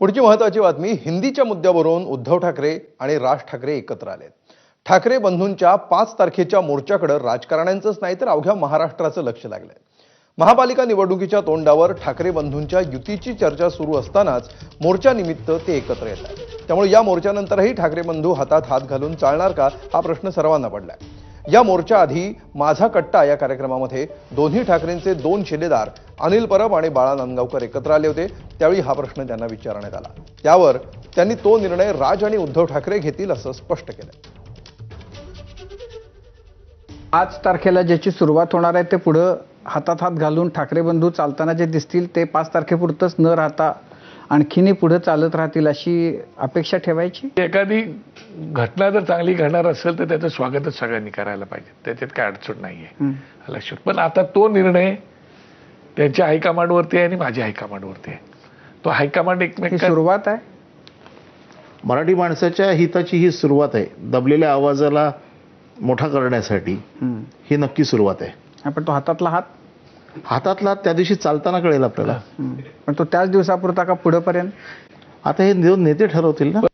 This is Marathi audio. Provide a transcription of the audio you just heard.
पुढची महत्त्वाची बातमी, हिंदीच्या मुद्द्यावरून उद्धव ठाकरे आणि राज ठाकरे एकत्र आले। ठाकरे बंधूंच्या 5 तारखेच्या मोर्चाकडे राजकारण्यांचंच नाही तर अवघ्या महाराष्ट्राचं लक्ष लागलंय। महापालिका निवडणुकीच्या तोंडावर ठाकरे बंधूंच्या युतीची चर्चा सुरू असतानाच मोर्चानिमित्त ते एकत्र येत आहेत। त्यामुळे या मोर्चानंतरही ठाकरे बंधू हातात हात घालून चालणार का हा प्रश्न सर्वांना पडलाय। या मोर्चा आधी माझा कट्टा या कार्यक्रमामध्ये दोन्ही ठाकरेंचे 2 शिलेदार अनिल परब आणि बाळा नांदगावकर एकत्र आले होते। त्यावेळी हा प्रश्न त्यांना विचारण्यात आला, त्यावर त्यांनी तो निर्णय राज आणि उद्धव ठाकरे घेतील असं स्पष्ट केलं। 5 तारखेला ज्याची सुरुवात होणार आहे ते पुढे हातात हात घालून ठाकरे बंधू चालताना जे दिसतील ते 5 तारखेपुरतच न राहता आणखीनही पुढे चालत राहतील अशी अपेक्षा ठेवायची। एखादी घटना जर चांगली घडणार असेल तर त्याचं स्वागतच सगळ्यांनी करायला पाहिजे, त्याच्यात काय अडचण नाहीये लक्षात। पण आता तो निर्णय त्यांच्या हायकमांडवरती आहे आणि माझ्या हायकमांडवरती आहे। तो हायकमांड ही सुरुवात आहे, मराठी माणसाच्या हिताची ही सुरुवात आहे। दबलेल्या आवाजाला मोठा करण्यासाठी ही नक्की सुरुवात आहे। आपण तो हातातला त्या दिवशी चालताना कळेल आपल्याला। पण तो त्याच दिवसापुरता का पुढेपर्यंत? आता हे नेते ठरवतील ना।